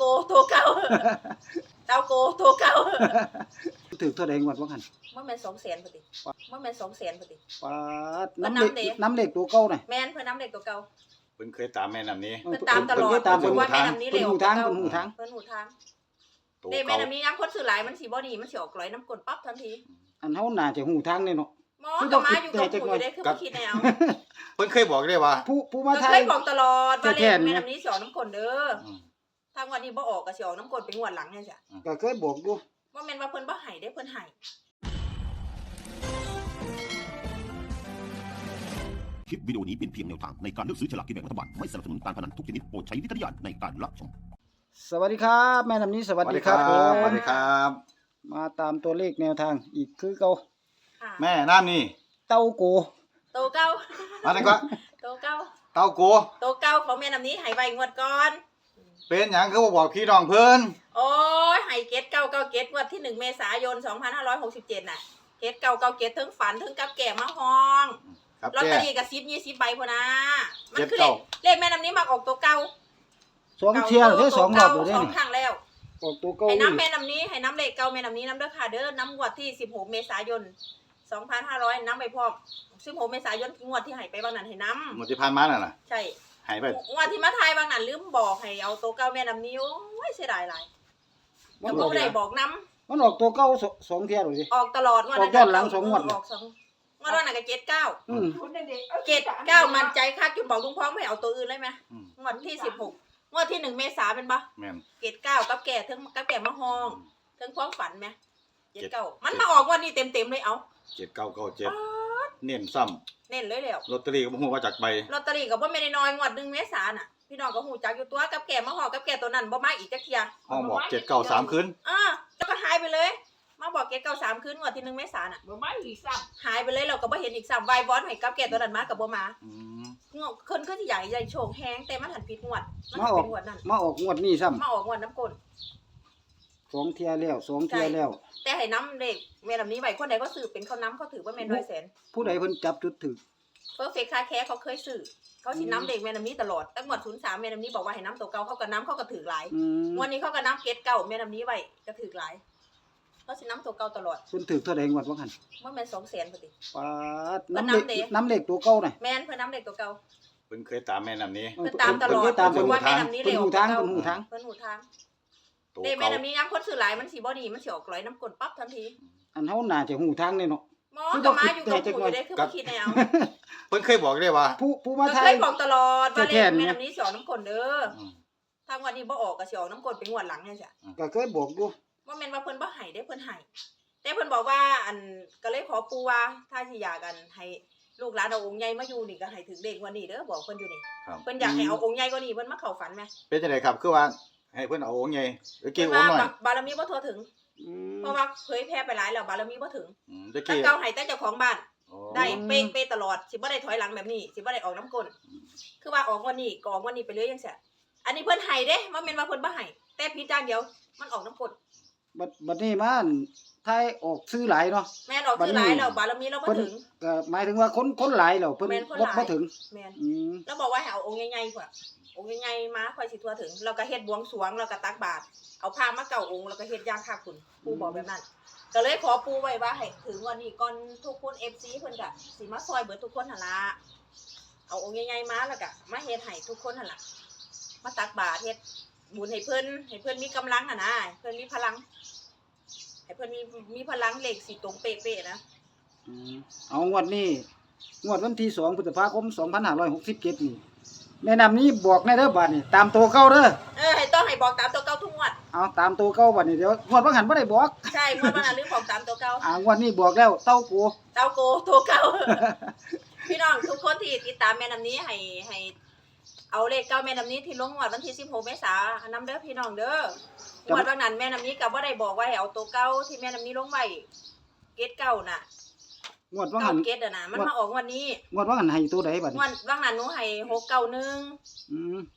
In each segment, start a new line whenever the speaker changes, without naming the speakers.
ตัวเก่าเต้าโกตัวเก่า
ถือเท่าใดงวดว่าหั่น
มันแม่น200,000พอดีมันแม่น200,000พอดี
ปาดน้ำเหล็กตัวเก่าน่ะ
แม่นเพิ่นน้ำเด็กตัวเก่า
เพิ่นเคยตามแม่น้ำนี้
เพิ่นตามตลอดเพิ่นว่าแม่น้ำนี้เร็ว
หูทาง
เพิ่นหูทางเด้แม่น้ำนี้ย้ำคนซื้อหลายมันสิบ่ดีมันสิออกกลอยน้ำก้นปั๊บทันที
อันเฮาน่าจะหูทางแน่เนาะ
หมอก็มาอยู่กับหูอยู่ได้คือบ่คิดแนว
เพิ่นเคยบอกได้ว่า
ผู้มาทาย
เคยบอกตลอดว่าแม่น้ำนี้สิออกน้ำก้นเด้อทางวันนี้บ่ออกก็สิออกน้ำก้นเป็นงวดหลังจังซี่
ก็เคยบอกอยู่
ว่าแม่นว่าเพิ่นบ่ให้ได้เพิ่นให้
คลิปวิดีโอนี้เป็นเพียงแนวทางในการเลือกซื้อฉลากกินแบ่งรัฐบาลไม่สนับสนุนการพนันทุกชนิดโปรดใช้วิจารณญาณในการรับชม
สวัสดีครับแม่น้ำนี้สวัสดีครับ
สวัสดีครับ
มาตามตัวเลขแนวทางอีกคือเก่า
แม่น้ำนี่
เต้าโก
โตเก่า
มาได้ก็
โตเก่า
เต้าโก
โตเก่าของแม่น้ำนี้ให้ไว้งวดก่อน
เป็นหยังคือบ่บอกพี่น้องเพิ่น
โอ้ยให้เกตเก่าเกตงวดที่1เมษายน2567น่ะเกตเก่าเกตทั้งฝันทั้งกับแก่มาห้องลอตเตอรี่กับ10-20ใบพุ่นน่ะมันคือเลขแม่น้ำนี้มักออกตัวเก่า
2เที่ยได้2รอบแล้ว
2ครั้งแล้ว
ออกตัวเก่า
ให้น้ำแม่น้ำนี้ให้น้ำเลขเก่าแม่น้ำนี้น้ำเด้อค่ะเด้อน้ำงวดที่16เมษายน2500น้ำไปพร้อม16เมษายนงวดที่ให้ไปบางนั้นให้น้ำ
งวดที่ผ่านมาน่ะ
ใช่
ให้ไป
งวดที่มาทายบางนั้นลืมบอกให้เอาตัวเก่าแม่น้ำนี้โอ้ยเสียดายหลายแล้วบ่ได้บอกน้ำ
มันออกตัวเก่า2เที่ยเลยสิ
ออกตลอดงวดนั้น
ย้อนหลัง2งวด
ออก2งวดนั้นก็79มั่นใจคักจนบอกลุงพ้องไม่เอาตัวอื่นเลยมั้ยงวดที่16งวดที่1เมษาเป็นบ่
แม่น
79กับแก่ทั้งกับแก่มาห้องทั้งความฝันมั้ย79มันมาออกวันนี้เต็มๆเลยเอา
7997เน้นซ้ำ
เน้นเลยแล้ว
ลอตเตอรี่ก็บ่ฮู้ว่าจักใบ
ลอตเตอรี่ก็บ่แม่นน้อยงวด1เมษายนน่ะพี่น้องก็ฮู้จักอยู่ตัวกับแก่มาห้องกับแก่ตัวนั้นบ่มาอีกจักเที่ย
ห้องบอก793คืน
แล้วก็หายไปเลยมาบอก793คืนงวดที่1เมษายนน่ะ
บ่มาอีกซ้ำ
หายไปเลยเราก็บ่เห็นอีกซ้ำวายบอสให้กับแก่ตัวนั้นมาก็บ่มาคนคือสิใหญ่โชคแฮงแต่มันหันผิดงวดมันเป็นงวดนั้น
มาออกงวดนี้ซ้ำ
มาออกงวดน้ำก้น
2เที่ยแล้ว2เที่ยแล้ว
แต่ให้น้ำเด็กแม่นำนี้ไว้คนใดก็ซื้อเป็นเขาน้ำเขาถือว่าแม่น100,000
ผู้ใดเพิ่นจับจุดถึก
เพอร์เฟคคาแคร์เขาเคยซื้อเขาสิน้ำเด็กแม่นำนี้ตลอดตั้งงวด03แม่นำนี้บอกว่าให้น้ำตัวเก่าเขาก็น้ำเขาก็ถือหลายวันนี้เขาก็น้ำเกตเก่าแม่นำนี้ไว้ก็ถือหลายเขาสิน้ำตัวเก่าตลอด
เพิ่นถือเท่าใดงวดว่าหั่น
มันแม่น200,000พอดี
ปาดน้ำเหล็กตัวเก่าน่ะ
แม่นเพิ่นน้ำเด็กตัวเก่า
เพิ่นเคยตามแม่น้ำนี้
เพิ่นตามตลอด
ตาม
ว่าแม่น้ำนี้เร็ว
หูทาง
เพิ่นหูทางเด้แม่น้ำนี้ย้ำคนซื้อหลายมันสิบ่ดีมันสิออกกลอยน้ำก้นปั๊บทันที
อันเฮาน่าจะหูทางแน่เนาะ
หมอก็มาอยู่กับหูอยู่ได้คือบ่คิดแนว
เพิ่นเคยบอกได้ว่า
ผู้มาทาย
เคยบอกตลอดว่าเลขแม่น้ำนี้สิออกน้ำก้นเด้อทางวันนี้บ่ออกก็สิออกน้ำก้นเป็นงวดหลังจังซี่
ก็เคยบอกอยู่
ว่าแม่นว่าเพิ่นบ่ให้ได้เพิ่นให้แต่เพิ่นบอกว่าอันก็เลยขอปู่ว่าถ้าสิอยากกันให้ลูกหลานเอาองค์ใหญ่มาอยู่นี่ก็ให้ถึงเลขวันนี้เด้อบอกเพิ่นอยู่นี่เพิ่นอยากให้เอาองค์ใหญ่กว่านี้เพิ่นมาเข้าฝันแม่
เป็นจังได๋ครับคือว่าให้เพิ่นเอาองค์ใหญ่หรือเกี่ยวองค์น้อย
บารมีบ่ทั่วถึงเพราะว่าเผยแพร่ไปหลายแล้วบารมีบ่ถึง
แต่
เก่าให้แต่เจ้าของบ้านได้เป๊ะตลอดสิบ่ได้ถอยหลังแบบนี้สิบ่ได้ออกน้ำก้นคือว่าออกวันนี้ก็ออกวันนี้ไปเลยจังซี่อันนี้เพิ่นให้เด้ว่าแม่นว่าเพิ่นบ่ให้แต่ผิดอย่างเดียวมันออกน้ำก้น
บัดนี้มันทายออกซื้อหลายเนาะ
แม่นออกซื้อหลายแล้วบารมีเราบ่ถึง
ก็หมายถึงว่าคนหลายแล้วเพิ่นบ่ถึง
แม่นแล้วบอกว่าให้เอาองค์ใหญ่ๆกว่าองค์ใหญ่ๆมาค่อยสิทั่วถึงเราก็เฮ็ดบวงสรวงแล้วก็ตักบาตรเอาผ้ามาเก่าองค์แล้วก็เฮ็ดย่างคักคุณปู่บอกแบบนั้นก็เลยขอปู่ไว้ว่าให้ถึงวันนี้ก่อนทุกคน FC เพิ่นก็สิมาซอยเบิดทุกคนหั่นล่ะเอาองค์ใหญ่ๆมาแล้วก็มาเฮ็ดให้ทุกคนหั่นล่ะมาตักบาตรเฮ็ดบุญให้เพิ่นมีกำลังนะเพิ่นมีพลังให้เพิ่นมีพลังเลขสิตรงเป๊ะๆนะ
เอางวดนี้งวดวันที่2พฤษภาคม2567นี่แม่นำนี้บอกแน่เด้อบัดนี้ตามตัวเก่าเด้อ
ให้ต้องให้บอกตามตัวเก่าทุกงวด
เอาตามตัวเก่าบัดนี้เดี๋ยวงวดบ่หันบ่ได้บอก
ใช่งวดบ่หันลืมบอกตามตัวเก่
างวดนี้บอกแล้วเต้าโก
ตัวเก่าพี่น้องทุกคนที่ติดตามแม่นำนี้ให้เอาเลขเก่าแม่นำนี้ที่ลงงวดวันที่16เมษายนนำเด้อพี่น้องเด้องวดวันนั้นแม่นำนี้ก็บ่ได้บอกว่าให้เอาตัวเก่าที่แม่นำนี้ลงไว้เกตเก่าน่ะ
งวดว่าหัน
เกตน่ะมันมาออกวันนี้
งวดว่าหันให้ตัวใดบัดนี้
งวดว่านั้นหนูให้691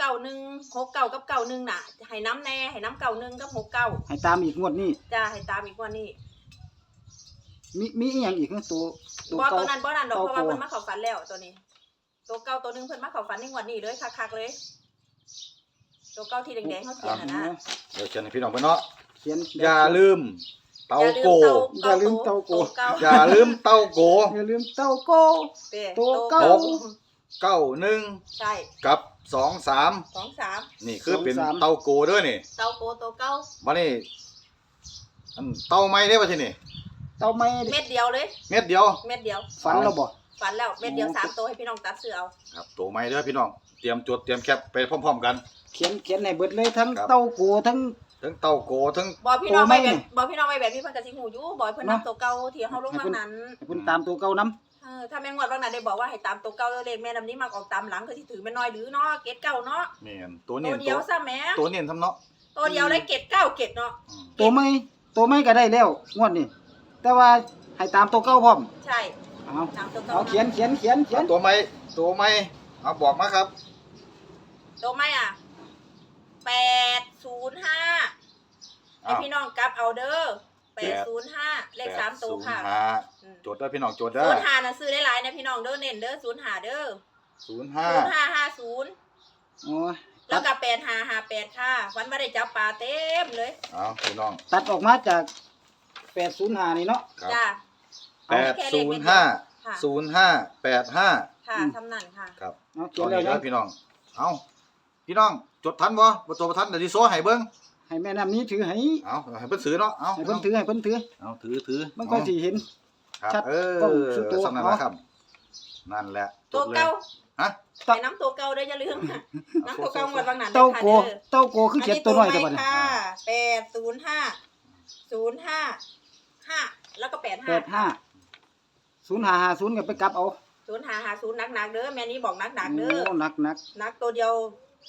691กับ91น่ะให้น้ำแน่ให้น้ำ91กับ69
ให้ตามอีกงวดนี้
จ้าให้ตามอีกงวดนี้
มีอีหยังอีกตัว
บ่ตัวนั้นบ่นั่นดอกเพราะว่าเพิ่นมาเข้าฝันแล้วตัวนี้ตัวเก่าตัวนึงเพิ่นมาเข้าฝันในงวดนี้เลยคักๆเลยตัวเก้าที่แดงๆเขาเขียนนะ
เดี๋ยวเชิญให้พี่น้องไปเนาะ
เขียน
อย่าลืมเต้าโก
อย่าลืมเต้าโก
อย่าลืมเต้าโก
อย่าลืมเต้าโก
ตัวเก้า
91
ใช่
กับ23
23
นี่คือเป็นเต้าโกเด้อนี่
เต้าโกตัวเก้า
วันนี้อันเต้าไม้ได้ป่ะทีนี่
เต้าไม่
เม็ดเดียวเลย
เม็ดเดียว
เม็ดเดียว
ฝันแล้วบ่
ฝันแล้วเม็ดเดียว3ตัวให้พี่น้องตัดซื้อเอา
ครับตัวไม้เด้อพี่น้องเตรียมจดเตรียมแคปไปพร้อมๆกัน
เขียนให้เบิดเลยทั้ง
ครับ
เต้าโกทั้ง
ทั้งเต้าโกทั้ง
บอกพี่น้อง
ตัวไม่
ไปแบบบอกพี่น้องไปแบบพี่เพิ่นก็สิฮู้อยู่บอกให้เพิ่น
เนาะ
นำตัวเก่าที่เฮาลงมานั้น
ให้เพิ่นตามตัวเก่านํ
ถ้าแม่งวดบางนั้นได้บอกว่าให้ตามตัวเก่าเลขแม่นำนี้มักออกตามหลังคือสิถือแม่น้อยหรือเนาะเกตเก่าเนาะ
แม่นตัว
ตั
เนีย
วน เดียวซะแหม่
ตัวเนียนทำเนาะ
ตัวเดียวเลยเกตเก้าเกตเนาะ
อืม
ตัวไม่ก็ได้แล้วงวดนี้แต่ว่าให้ตามตัวเก่าพร้อม
ใช่
เอา
ตามตัวเก่า
เอาเขียน
ตัวไม้เอาบอกมาครับ
ตัวไม่อ่ะ805ให้พี่น้องกลับเอาเด้อ805เลข3ตัวค่ะ
805จดเด้อพี่น้องจดเด้อ
05น่ะซื้อหลายๆนะพี่น้องเด้อเน้นเด้อ05เด้อ
05
0550
โอ้ย
แล้วก็8558ค่ะวันบ่ได้จับปลาเต็มเลย
เอาพี่น้อง
ตัดออกมาจาก805นี่เนาะ
ครับ
จ้า
805
ค่ะ
0585
ค่ะทำนั่นค่ะ
ครับ
เอาเขี
ตั
ย
วน นี้
แล้ว
เด้
นะ
อพี่น้องเอาพี่น้องจดทันบ่จดบ่ทันเดี๋ยวสิโซ่ให้เบิ่ง
ให้แม่น้ำนี้ถือให้
เอาให้เพิ่นซื้อเนาะเอา
ให้เพิ่นถือ
เอาถือ
มันก็สิเห็น
ครับ
ชัด
เออก
ล้องสุดตัว
สำนักนะครับนั่นแหละจ
ตัว
ดเลย
เก่า
ฮะ
ไปน้ำตัวเก่าได้ออย่าลืมค่ะน้ำตัวเก่าหมดบางนั้น
เต้า
ค่ะ
โกเต้าโกคือเขียนตัวน้อยแต่บัดนี้
ค่ะ805 แล้วก็85
85 0550ก็ไปกลับเอา
0550หนักๆเด้อแม่นี้บอกหนักๆเด้อ
โอ้หนัก
หนักตัวเดียว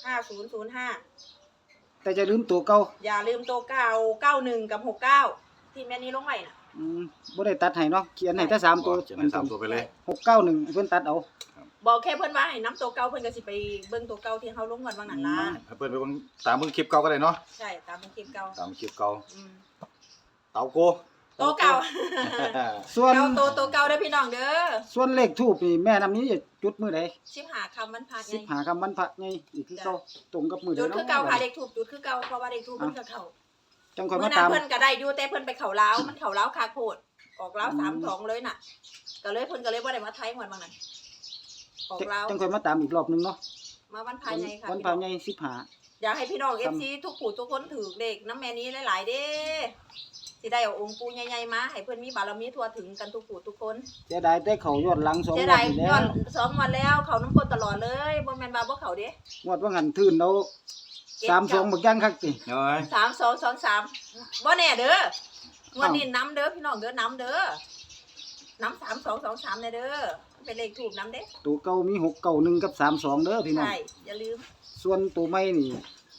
5005
แต่จะลืมตัวเก่า
อย่าลืมตัวเก่า91กับ69ที่แม่นี้ลงไว้น่ะ
บ่ได้ตัดให้เนาะเขียนให้แต่3ตัว
เขียนให้สามตัวไปเลย
691ให้เพิ่นตัดเอา
บอกแค่เพิ่นว่าให้น้ำตัวเก่าเพิ่นก็สิไปเบิ่งตัวเก่าที่เฮาลงกันบางนั้นล่ะ
ให้เพิ่นไปเบิ่งตามเบิ่งคลิปเก่าก็ได้เนาะ
ใช่ตามคลิปเก่า
ตามคลิปเก่า
อืม
เต้าโก
ตัวเก่า
ส่วน
เก่าตัวเก่าเด้อพี่น้องเด้อ
ส่วนเลขทูปนี่แม่น้ำนี้จะจุดมื้อใด
15 คำมันพาไง
15ค่ำวันพระไงอีกคือเก่าตรงกับมื้อใด
จุด
เนาะ
คือเก่าค่ะเลขถูกจุดคือเก่าเพราะว่าเลขถูกเพิ่นก็เข้า
จังค่อย
เมื่
มา
อนั้
ตาน ม
เพิ่นก็ได้อยู่แต่เพิ่นไปเข้าลาวมันเข้าลาวคาโคดออกลาว32เลยน่ะก็เลยเพิ่นก็เลยบ่ได้มาไทยหมดบางนั้นออกลาว
จังค่อยมาตามอีกรอบนึงเนาะ
มาวันพายไงค่ะ
วันพระไง15
อยากให้พี่น้อง FC ทุกผู้ทุกคนถือเลขน้ำแม่นี้หลายๆเด้สิได้เอาองค์ปู่ใหญ่ๆมาให้เพิ่นมีบารมีทั่วถึงกันทุกผู้ทุกคน
เสียดายแต่เขายอดหลัง2ง
เสี
วย ด
ดาย
นี่แล้
ย้อ
วน
2 วันแล้วเขาน้ำกลตลอดเลยบ่แม่นว่าบ่เขาเด้
งวดว่าหันทื่นแล้ว32บักย่างคักติ
เอ้ย
3223บ่แน่เด้องวดนี้น้ำเด้อพี่น้องเด้อน้ำเด้อน้ำ3223เด้อเป็นเลขถูกน้ำเด้
ตัวเก่ามี691กับ32เด้อพี่น้อง
ใช่อย่าลืม
ส่วนตัวใหม่นี่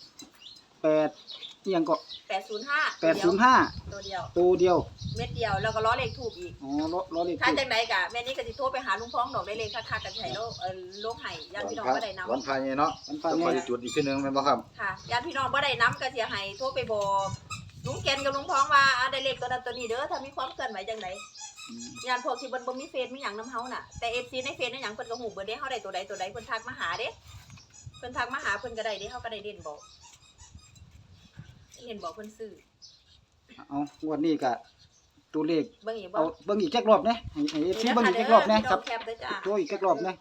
8อีหยังก็
805
805
ตัวเดียว
ตัวเดียว
เม็ดเดียวแล้วก็ล้อเลขถูกอีก
อ๋อล้อเลข
ถ้า
ทูป
จังไดกะแม่นี่ก็สิโทรไปหาลุงพ้องดอกได้เลขคักๆกันใช่โลลงให้ญาติพี่น้องบ่ได้นำ
วันพายเนาะ
วันพระ
จะ
ไง
คอยจุดอีกทีหนึงแม่นบ่ครับ
ค่ะญาติพี่น้องบ่ได้นำก็สิให้โทรไปบอกลุงแกนกับลุงพ้องว่าได้เลขตัวนั้นตัวนี้เด้อถ้ามีความเคลื่อนไหวจังไดญาติพวกที่เพิ่นบ่มีเฟซมีหยังนำเฮาน่ะแต่ FC ในเฟซในหยังเพิ่นก็ฮู้เบิดเด้เฮาได้ตัวใดเพิ่นทักมาหาเด้เพิ่นทักมาหาเพิ่นก็ได้เด้เฮาก็ได้เด่นบอกเด่นบอกเพิ่นซื้อ
เอางวดนี้ก็ตัวเลข
เบิ่งอีกบ่
เอาเบิ่งอีกจักรอบนะให้ FC เบิ่งอีกจักรอบนะครับ
แคปเด้อจ้า
ตัวอีกจักรอบนะ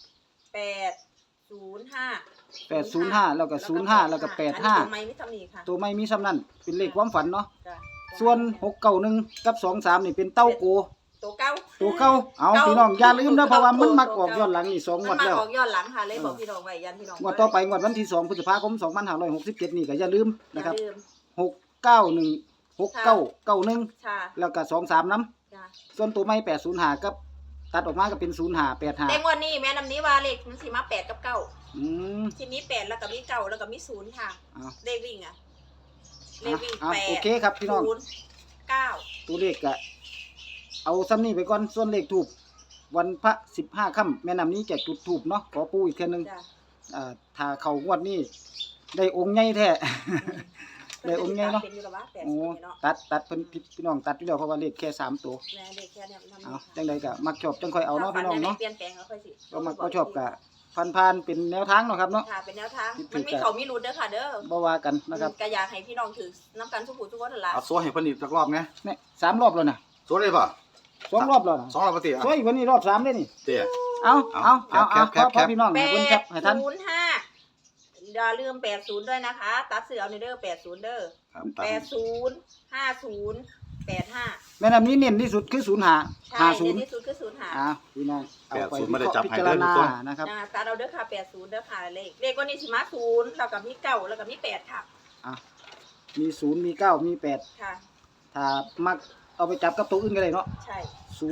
805
805แล้วก็05แล้วก็
อันนี้ตัว
85
ไม้ไม่ทำนี่ค่ะ
ตัวไม่มีซ้ำนั่นเป็นเลขความฝันเนาะ
จ้ะ
ส่วน691กับ23นี่เป็นเต้าโก
ตัวเก้า
ตัวเก่าเอาพี่น้องอย่าลืมนะเพราะว่ามันมักออกย้อนหลังนี่2ง
มั
วน ด
มา
แล้ว
ออกย้อนหลังค่ะเลยบอกพี่น้องไว้ยันพี่น้อง
งวดต่อไปงวดวันที่2พฤษภาคม2567นี่ก็อย่าลืม
อย่า
นะครับ
ลืม
691 6991
ค่ะ
แล้วก็23นำ
จ้ะ
ส่วนตัวไม่805กับตัดออกมาก็เป็น
แต่งวดนี้แม่น้ำนี้ว่าเลขมันสิมา8กับ9
05อืม
ทีนี้8แล้วก็มี9แล้วก็มี0ค่ะ
เอา
เลขวิ่งอ่ะเลขวิ่ง
โอเคครับพี่น้อง
8 9
ตัวเลขก็เอาซ้ำนี้ไปก่อนส่วนเลขทูบวันพระ15ค่ำแม่น้ำนี้จะจุดทูบเนาะขอปู่อีกเทื่อนึง
จ้ะ
ถ้าเข้างวดนี้ได้องค์ใหญ่แท้ ได้องค์ใหญ่เนาะ
เป็นอยู่แล้วว่า8
โอ้
เนาะ
ตัดเพิ่นพี่น้องตัดอยู่แล้วเพราะว่าเลขแค่3ตัว
แม่เลขแค่เนี้ยมัน
เอาจังใดก็มักชอบจังค่อยเอาเนาะพี่น้องเนาะ
เปลี่ยนแปลงเอาค่อยสิ
ก็มักบ่ชอบก็ผ่านๆเป็นแนวทางเนาะครับเนาะ
ค่ะเป็นแนวทาง
คิดถึง
มันมีเขามีรุดเด้อค่ะเด้อ
บ่ว่ากันนะครับ
ก็อยากให้พี่น้องถือน้ำกันทุกผู้ทุกคนนั่นล่ะ
เอาโซ่ให้เพิ่นอีกสักรอบนะ
เนี่ย3รอบแล้วนะ
โซ่ได้ป่ะ
2รอบแล้วนะ
2รอบปกติอ่ะ
โอ้ยวันนี้รอบ3เด้นี่
เตี้ย
เอา
แคป
พอพี่น้องให้เพิ่นครับให้ทัน
805อย่าลืม80ด้วยนะคะ ตัดเสือเอาในเด้อ80เด้อ
ครับ
80 50 85
แม่น้ำนี้เน้นที่สุดคือ05
ใช่ใน
50
ที่สุดคือ05
พี่น้องเอาไป
80ไม่ได้จับ
พิ
ให้
จาร
เด้อทุก
ณา
คน
นะครับ
ตัดเอาเด้อค่ะ80เด้อค่ะเลขก็นี่สิมา0แล้วก็มี9แล้วก็มี8ค่ะ
มี0มี9มี8
ค่ะ
ถ้ามักเอาไปจับกับตัวอื่นก็ได้เนาะ
ใช่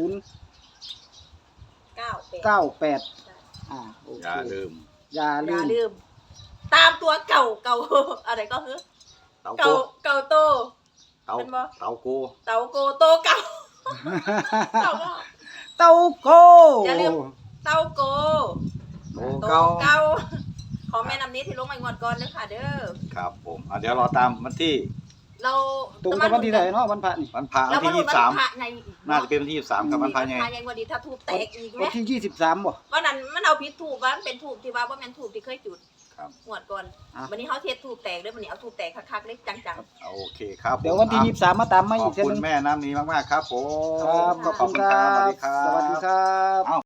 0
9 8
9 8
ใช่
โอ
อ
เค
ย่าลืม
อย่า
อ
ลื
ย่าม ลืม ตามตัวเก่า อะไรก็คือ
เตาโก
เก่าโต
เตา
เป็นบ่
เตาโก
เต่าโกโตเก่าเต่าก็
เต้าโก
อย่าลืม เต่าโก
โต
โต
เก่า
เก่าของแม่น้ำนี้ที่ลงมางวดก่อนเด้อค่ะเด้อ
ครับผมเดี๋ยวรอตามวันที่
เรา
ตรงกับวันที่ไหนเนาะวันพระนี่
วันพระวั
เรา
น
มา
ที่
ลุ้นวันพระ
23
ในอีก
น่าจะเป็นวันที่23ครับวันพระใหญ่
พระใหญ่กว่าดีถ้าถูกแตกอีกไหม
วันที่23บ่
วันนั้นมันเอาพิษถูกว่ามันเป็นถูกที่ว่าแม่นถูกที่เคยจุด
ครับ
งวดก่อน วันนี้เขาเทศถูกแตกเด้อวันนี้เอาถูกแตกคักๆเล็กจัง
โอเคครับผม
เดี๋ยววันที่23มาตามมา
ข
อี
อก บ
เทื่อ
คุ
นึ
ณ
ง
แม่น้ำนี้มากๆครับผม
ครับขอบคุณครั
สวัส
บ
ดีครับ
สวัสดีครับ